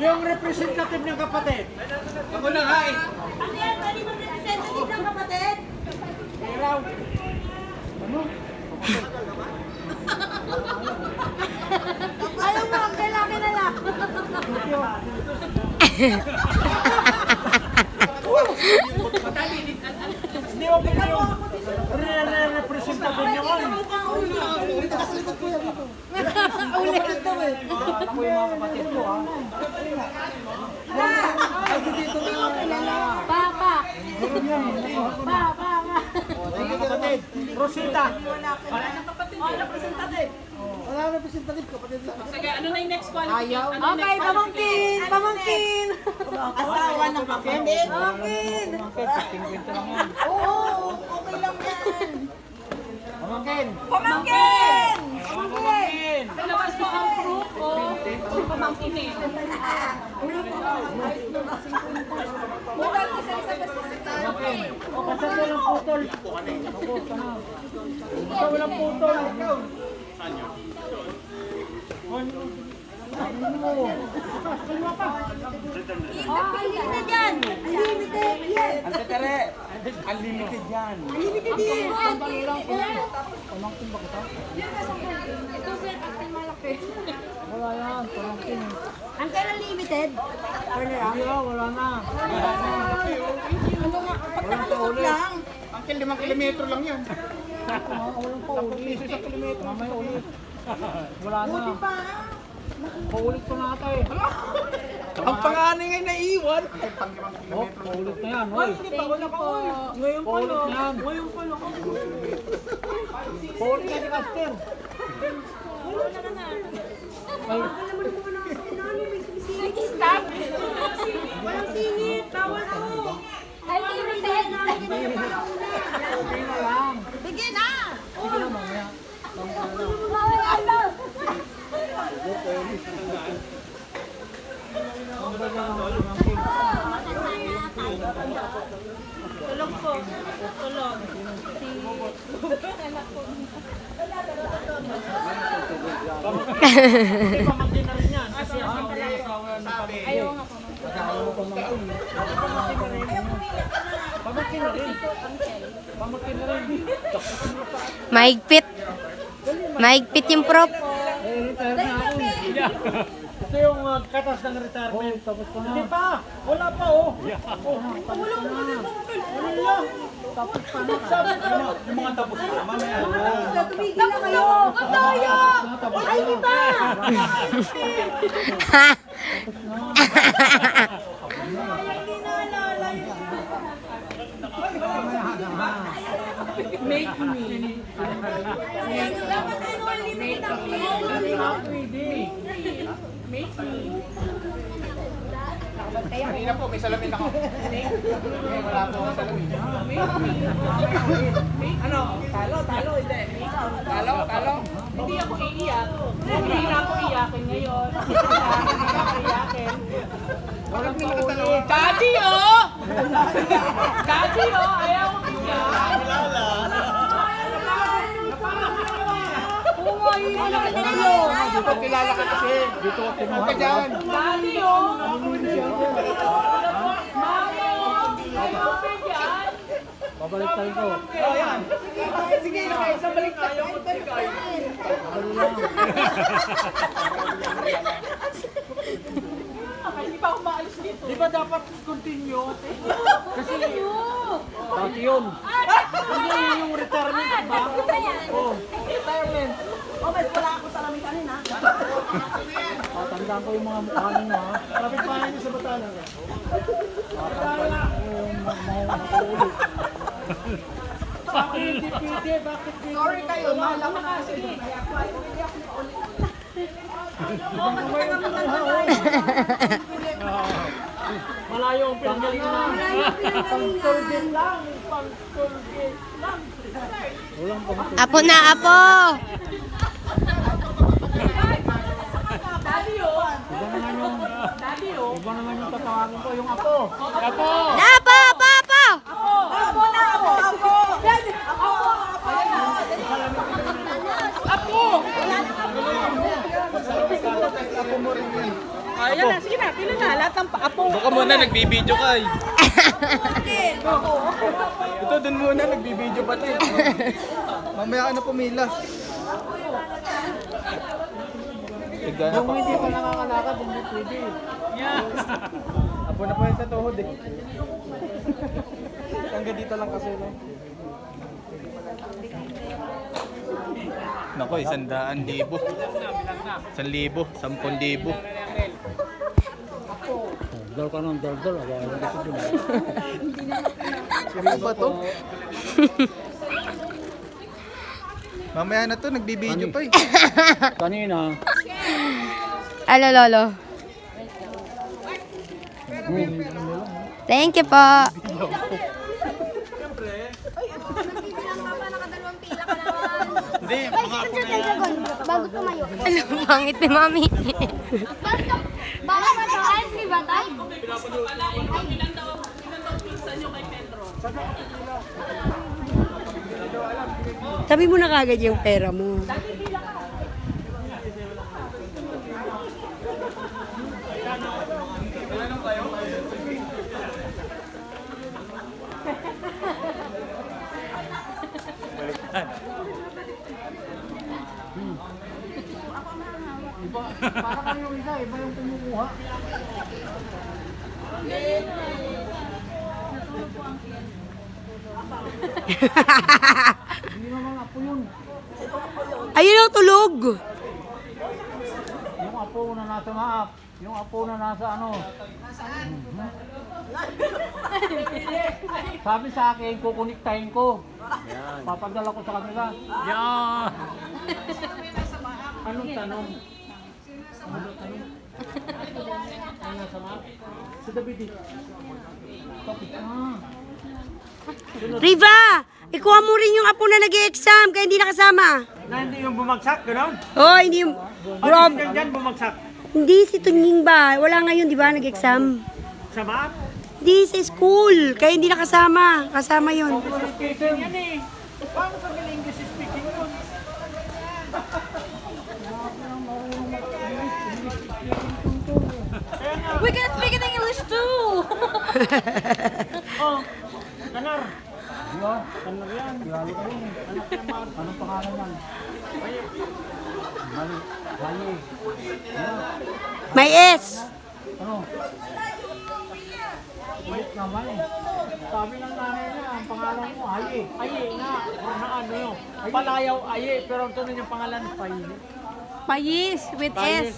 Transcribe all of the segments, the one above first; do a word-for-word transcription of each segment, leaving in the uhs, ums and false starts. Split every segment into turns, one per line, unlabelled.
Yung representative ng kapatid.
Ako na nga eh.
Ano yan? Pwede mag-representative ng kapatid?
Iraw. Ano?
Ayaw mo, ang kailangan na lang.
Hindi mo pala yung re-representative niyo ko.
Ulit ito eh.
Ako yung mga kapatid ko ha.
Papa. Papa, papa.
Mga kapatid. Rosita.
Wala na representative ko, pati lang.
Sige, ano na yung next qualification? Ano
Okay, pamangkin, pamangkin.
Asawa ng kapatid.
Pamangkin.
fifteen-fifty lang yan.
Oo, okay lang yan.
Pamangkin.
Pamangkin.
Pamangkin.
Labas mo ang proof o pamangkin eh.
Pamangkin. Basta walang putol. Ako, sana. Basta walang putol. Ano mo? Kalma pa.
Unlimited yan. Unlimited yan.
Ang tatere. Unlimited yan.
Unlimited yan.
Pamangkin ba kita?
Ito sir, akin malaki.
Wala yan. Pamangkin.
Ang kailan limited? Or na lang?
Hindi ah, wala na. Wala na.
Ano nga? Pag nakalusot lang.
Ang limang kilometro lang yan.
Ah, walang paulit. Isa kilometro. Mamaya ulit. Wala na.
Buti pa.
Paulit ko na ata eh.
Ang panganay ngay naiwan.
Oh, paulit na yan. Hoy.
Thank you po.
Ngayon pa lang. Yan. Ngayon pa lang. Paulit na si Caster. Ay,
Stop! Walang singit. Bawal ako. Unlimited.
okay na lang.
Bigyan na!
Sige na mamaya.
Bawal ako.
Ang ba niya ng pamangkin?
Tulog po. Tulog.
Kasi pamangkin na rin yan. Kasi ang asawa ng pamangkin.
Ayaw nga po.
Asawa mo pamangkin. Pamangkin na rin. Pamangkin na rin. Pamangkin na rin.
Mahigpit. Mahigpit yung prop.
Eh, retire na ako. Ito yung uh, katas ng retirement. Oh, tapos ko na. Hindi pa. Wala pa oh. Oh, tapos ko na. Wala. Tapos pa na. Sabi ko.
Yung mga tapos na, mamaya.
Tumigil na kayo. Ang daya! Ay, di ba? Hindi naalala yun.
Make me.
Dapat ano, unlimited ang pin.
Pwede.
Make me.
Kanina po, may salamin ako. Wala po akong salamin.
Ano? Talo, talo, hindi.
Talo, talo.
Hindi ako iiyak. Hindi na ako iyakin ngayon. Hindi na ako iyakin.
Walang paulit.
Daddy, oh! Daddy, oh! Ayaw ko iyak.
Oo nga, yun na lang kayo.
Dito kilala ka kasi. Dito ako kinuha ka dyan.
Daddy, oh! Mami, oh! Ayaw ko iyak.
Babalik tayo ko.
Oh, yan.
Sige, okay. Sa balik tayo ko tigay. Hindi pa ako maalis dito.
Di ba dapat continue? Kasi dati yun. Hindi yun yung retirement, di ba? Oh, retirement.
Oh, mas wala ako sa lamin kanina.
Tatandaan ko yung mga mukha ninyo ha. Kapit pa niyo sa batala. Tatandaan ko yung mga makaulit. Bakit hindi pwede? Bakit hindi?
Sorry kayo, mahal ako na. Sige.
Malayo ang pinagalingan. Pang-turbin lang. Pang-turbin lang. Walang pang-turbin.
Apo na, apo!
Daddy, oh!
Iba naman yung,
Daddy, oh!
iba naman yung tatawagin ko, yung apo. Apo!
Na, apo, apo, apo!
Ako na, ako, ako. Ako,
Apo!
Ako mo rin yun.
Ayan na, sige na, pila na. Lahat ng pa- apo.
Baka muna, nagbibideo ka eh. Ito, dun muna, nagbibideo pa tayo. Mamaya ka na pumila. Tigana
Kung
pa.
hindi pa nakakalakad, hindi pwede.
Apo na po yan sa tuhod eh. Hanggang dito lang kasi no. Nako, isang daan libo. Isang libo, sampun libo.
Dal ka ng dal dal, awa yung kasi dun.
Ano ba to? Mamaya na to, nagbibideo pa eh.
Kanina,
Alo, lolo. Thank you po.
Hindi, mga apo na yan.
Bago tumayo.
Ano, pangit ni mami.
Baka mataas ni Batay?
Sabi mo na kagad yung pera mo.
para kami yung isa, iba yung kumukuha. Hindi naman apo yun.
Ayun ang tulog.
Yung apo na nasa maap. Yung apo na nasa ano. Mhm. Sabi sa akin, kukuniktahin ko. Papadala ko sa kanila. Yan! Anong tanong? Anong tanong? Ano nasa maap? Si David eh. Topic. Ah.
Riva, ikuha mo rin yung apo na nag-exam kaya hindi nakasama.
Na hindi yung bumagsak, gano'n?
Oh, hindi yung... Rob,
Yan dyan bumagsak.
hindi si Tunying ba? Wala ngayon, di ba, nag-exam?
Sa maap?
Hindi sa school, kaya hindi nakasama. Kasama yun.
Speaking yan eh. Paano sa English speaking yun?
We can speak in English too!
Oh, kanar. Yo, kanar yan. Yalo ka rin. Anak niya ma. Anong pangalan yan? Mali. Mali.
May S.
Ano? Wait naman eh. Sabi ng nanay niya, ang pangalan mo, Aye. Aye nga. Or na ano yun. Palayaw, Aye. Pero ang tunay niyang pangalan, Paye.
Payis with S.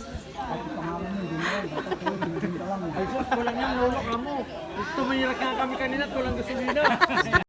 Ay sus, walang yan, lolo ka mo. Tumirak nga kami kanina, tulang gasolina.